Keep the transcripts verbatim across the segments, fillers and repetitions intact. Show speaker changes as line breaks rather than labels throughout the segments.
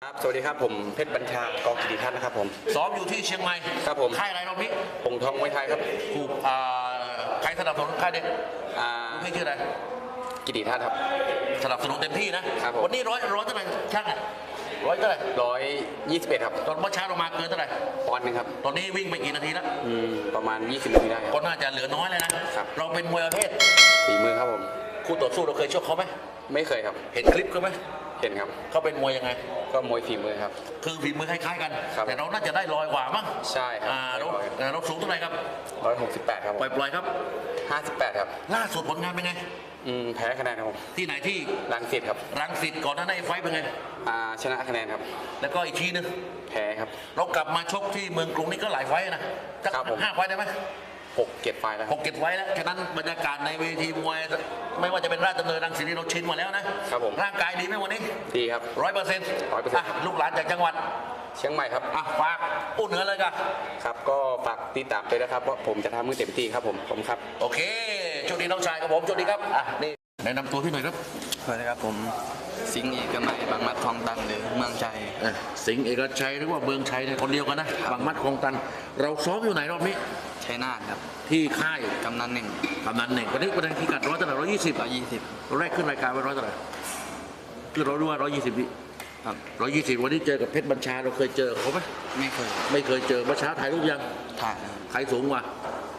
ครับสวัสดีครับผมเพชรบัญชากองกิติทัศน์นะครับผม
ซ้อมอยู่ที่เชียงใหม่
ครับผม
ค่ายอะไรรอบนี้
หงทองมวยไทยครับ
ถูกอ่าใครสนับสนุนค่ายเด็ก
อ่า
พี่ชื่ออะไร
กิติทัศน์ครับ
สนับสนุนเต็มที่นะครับ
ผม
วันนี้ร้อยร้อยเท่าไหร่ช่างอ่ะร้อยเท่าไหร่
ร้อยยี่สิบเอ็ดครับ
ตอนเมื่อเช้าเรามาเกินเท่าไหร่
ปอนด์หนึงครับ
ตอนนี้วิ่งไปกี่นาทีแล้ว
อืมประมาณยี่สิบนาทีได้ครับ
ก็น่าจะเหลือน้อยเลยนะครับเราเป็นมวยประเภท
ฝีมือครับผม
คู่ต่อสู้เราเคยชกเขาไหม
ไม่เคยครับ
เห็นคลิปเขาไหม
เห็นครับ
เขาเป็นมวยยังไง
ก็มวยฝีมือครับ
คือฝีมือคล้ายๆกัน
ครับ
แต่เราน่าจะได้ลอยกว่ามั้ง
ใช่ครับ
อ่าเราเราสูงเท่าไหร่ครับ
ร้อยหกสิบแปดครับ
ปล่อยๆครับ
ห้าสิบแปดครับ
ล่าสุดผลงานเป็นไง
อืมแพ้คะแนนครับผม
ที่ไหนที่
รังสิตครับ
รังสิตก่อนหน้านั้นไฟเป็นไง
อ่าชนะคะแนนครับ
แล้วก็อีกทีนึง
แพ้ครับ
เรากลับมาชกที่เมืองกรุงนี่ก็หลายไฟนะสักห้าไฟได้ไหม
หกเก็บไฟแล้ว
หกเก็บไว้แล้วฉะนั้นบรรยากาศในเวทีมวยไม่ว่าจะเป็นราชดำเนินรังสิตเราชินมาแล้วนะครับ
ผม
ร่างกายดีไหมวันนี้
ดีครับ
ร้อยเปอร์เซ็นต์
ร้อยเปอร์เซ็นต์
ลูกหลานจากจังหวัด
เชียงใหม่ครับ
อ่ะฝากอู้เหนือเลยกัน
ครับก็ฝากติดตามด้วยนะครับว่าผมจะทำมือเต็มที่ครับผมผมครับ
โอเคโชคดีน้องชายครับผมโชคดีครับอ่ะนี่แนะนำตัวพี่หน่อยครับ
สวัสดีครับผมสิงห์เอกมัยบางมัดทองตันหรือเมืองชัย
สิงห์เอกชัยหรือว่าเมืองชัยเนี่ยคนเดียวกันนะบางมัดคลองตันเราซ้อมอยู่ไหนรอบนี้
ชัยนาทครับ
ที่ค่าย
กำนันหนึ่ง
กำนันหนึ่งวันนี้ประเด็นที่กัดร้อยเท่าไหร่ร้อยยี่สิบ
ร้อยยี่สิบ
เราแรกขึ้นรายการไปร้อยเท่าไหร่คือเรารู้ว่าร้อยยี่สิบวิ
ครับ
ร้อยยี่สิบวันนี้เจอกับเพชรบัญชาเราเคยเจอเขาไหม
ไม่เคย
ไม่เคยเจอเมื่อเช้าถ่ายรูปยัง
ถ่าย
ใครสูงกว่า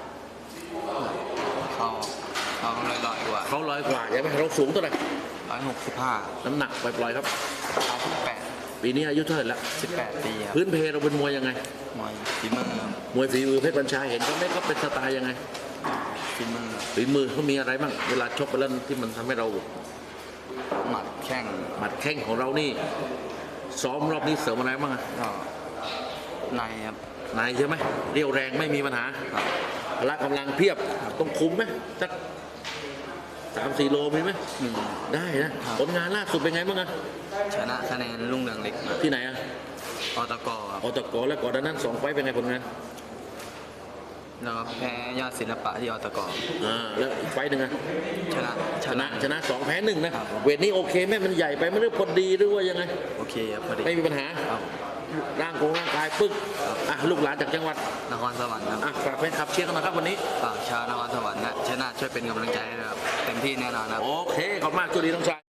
เขาเขาลอยลอยกว่า
เขาลอยกว่าใช่ไหมเราสูงเท่าไหร่
ร้อยหกสิบห้า
น้ำหนักปล่อยๆครับ
ร้อยสิบแปด
ปีนี้อายุเท่าไหร่ละ
สิบแปดปีครับ
พื้นเพเราเป็นมวยยังไง
มวยฝีมือ
มวยฝีมือเพชรบัญชาเห็นเขาไม่ก็เป็นสไตล์ยังไง
ฝีมือ
ฝีมือเขามีอะไรบ้างเวลาชกไปแล้วที่มันทำให้เรา
หมัดแข้ง
หมัดแข้งของเรานี่ซ้อมรอบนี้เสริมอะไรบ้างอะ
ก็ในครับ
ในใช่ไหมเรียวแรงไม่มีปัญหาพละกำลังเพียบต้องคุมไหมสักสามสี่โลมีไหมได้นะผลงานล่าสุดเป็นไงบ้างอะ
ชนะคะแนนรุ่งเรืองเล็ก
ที่ไหนอะ
อตก
อตกแล้วก่อนนั้นสองไฟเป็นไงผลงาน
แล้วแพ้ยอดศิลปะที่อตก
อ่าแล้วอีกไฟหนึ่งอะ
ชนะ
ชนะชนะสองแพ้หนึ่งนะเวทนี้โอเคไหมมันใหญ่ไปไม่รู้พอดีหรือว่ายังไง
โอเคครับพอดี
ไม่มีปัญหาร่างกงร่างกายปึ๊กอ่ะลูกหลานจากจังหวัด
นครสวรรค์ครับ
อ่ะฝากแฟนคลับเชียร์กันหน่อยครับวันนี้
ฝากชาวนครสวรรค์นะชนะช่วยเป็นกำลังใจให้นะครับเต็มที่แน่นอนครับ
โอเคขอบคุณมากจุดีน้องชาย